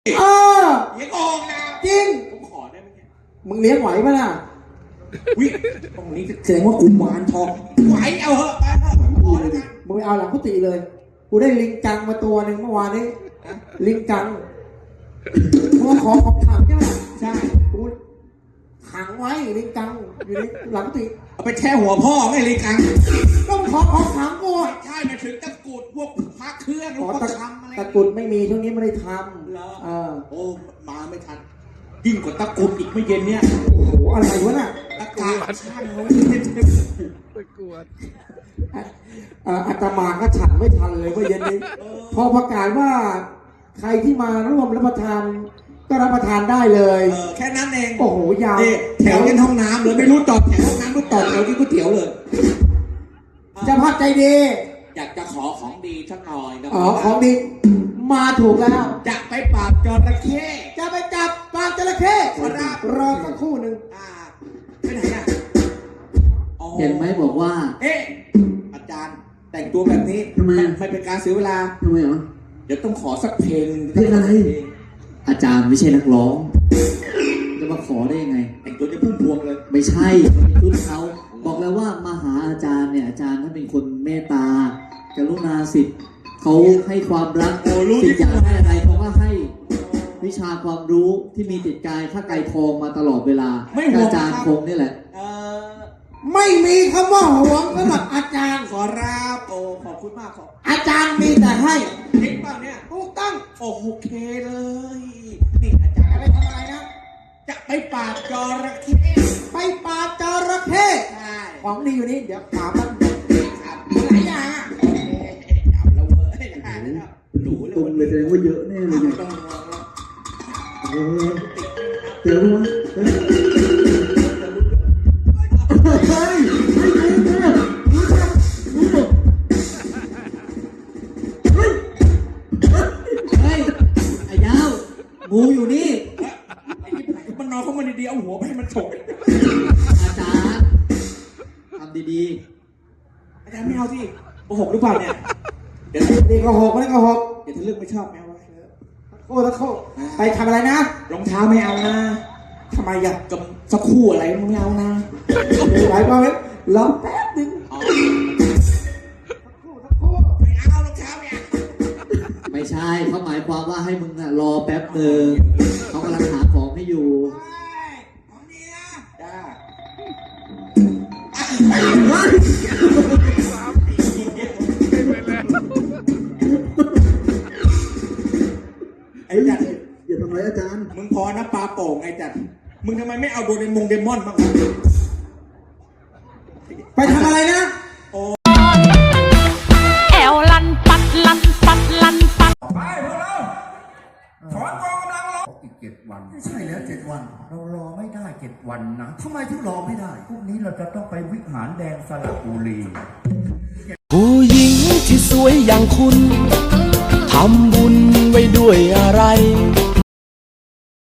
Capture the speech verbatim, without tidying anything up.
เออเลี้ยงออกนะจริงผมขอได้ไหมเนี่ยมึงเลี้ยงไหวปะล่ะวิตรงนี้แสดงว่ากุมารทองไหวเอาเหอะไปเถอะผมขอแล้วกันมึงไปเอาหลังกุฏิเลยกูได้ลิงกังมาตัวหนึ่งเมื่อวานนี้ลิงกังเพราะว่าของของขังใช่ไหมใช่กูขังไว้ลิงกังอยู่ในหลังกุฏิเอาไปแช่หัวพ่อไม่ลิงกังต้องของของขังกูใช่มาถึงตะกุดพวกพระเครื่องพวกทำอะไรตะกุดไม่มีช่วงนี้ไม่ได้ทำเหรอเออโอ้มาไม่ทันยิ่งกว่าตะกุดอีกไม่เย็นเนี่ยโอ้โหอะไรวะน่ะตะกาช่างเขาตะกวดอาตมาก็ฉันไม่ทันเลยว่าเย็นนี้พอประกาศว่าใครที่มาร่วมรับประทานก็รับประทานได้เลยเออแค่นั้นเองโอ้โหยาวแถวยันห้องน้ำเลยไม่รู้จอดแถวห้องน้ำก็จอดแถวที่ก๋วยเตี๋ยวเลยจะพักใจดีอยากจะขอของดีสักหน่อยนะอ๋อของดีมาถูกแล้วจะไปปราบจระเข้จะไปจับปลาจระเข้รอสักครู่หนึ่งไปไหนอ่ะเห็นไหมบอกว่าเอ๊ะอาจารย์แต่งตัวแบบนี้ทำไมไม่เป็นการเสียเวลาทำไมเหรอเดี๋ยวต้องขอสักเพลงเพลงอะไรอาจารย์ไม่ใช่นักร้องจะมาขอได้ยังไงแต่งตัวจะพุ่งพวงเลยไม่ใช่ชุดเขาบอกแล้วว่ามาหาอาจารย์เนี่ยอาจารย์ท่านเป็นคนเมตตากรุณาสิทธิ์เขาให้ความรักสิทธิ์อยากได้อะไรเขาก็ให้วิชาความรู้ที่มีติดกายข้าไกลทองมาตลอดเวลาอาจารย์คงนี่แหละไม่มีคำว่าหวงสำหรับอาจารย์ขอรับโอ้ขอบคุณมากขออาจารย์มีแต่ให้จริงป่ะเนี่ยถูกต้องโอ้โอเคเลยนี่อาจารย์ไปทำอะไรนะจะไปปราบจระเข้ไปปราบจระเข้ใช่ของดีอยู่นี่เดี๋ยวปราบมันครับหลายอย่างอ่ะเอาแล้วเว้ยหนูตรงเลยแสดงว่าเยอะแน่เลยเนี่ยต้องระวังแล้วเออเจอมั้ยเฮ้ยไม่รู้เนี่ยรู้จักรู้จักเฮ้ยเฮ้ยไอ้ยาวงูอยู่นี่มันนอนเข้ามาดีๆเอาหัวไปให้มันฉกอาจารย์ทำดีๆอาจารย์ไม่เอาสิโกหกหรือเปล่าเนี่ยเดี๋ยวนี่ก็หกนี่ก็หกเดี๋ยวถ้าเลือกไม่ชอบแมวไว้โอ้ตะโคไปทำอะไรนะรองเท้าไม่เอานะทำไมอ่ะกับสักคู่อะไรไม่เอานะหลายวันแล้วรอแป๊บนึงสักคู่สักคู่ไม่เอารองเท้าเนี่ยไม่ใช่เขาหมายความว่าให้มึงรอแป๊บนึงเขากำลังหาของให้อยู่ของดีนะจ้าไอ้จัดอย่าทำร้ายอาจารย์มึงพอนะปลาโป่งไอ้จัดมึงทำไมไม่เอาโดเรมงเดมอนบ้างไปทำอะไรนะแอวลันปัดลันปัดลันปัดไปพวกเราถอนกองกำลังรออีกเจ็ดวันไม่ใช่แล้วเจ็ดวันเรารอไม่ได้เจ็ดวันนะทำไมถึงรอไม่ได้พรุ่งนี้เราจะต้องไปวิหารแดงสระบุรีผู้หญิงที่สวยอย่างคุณทำบุญไว้ด้วยอะไร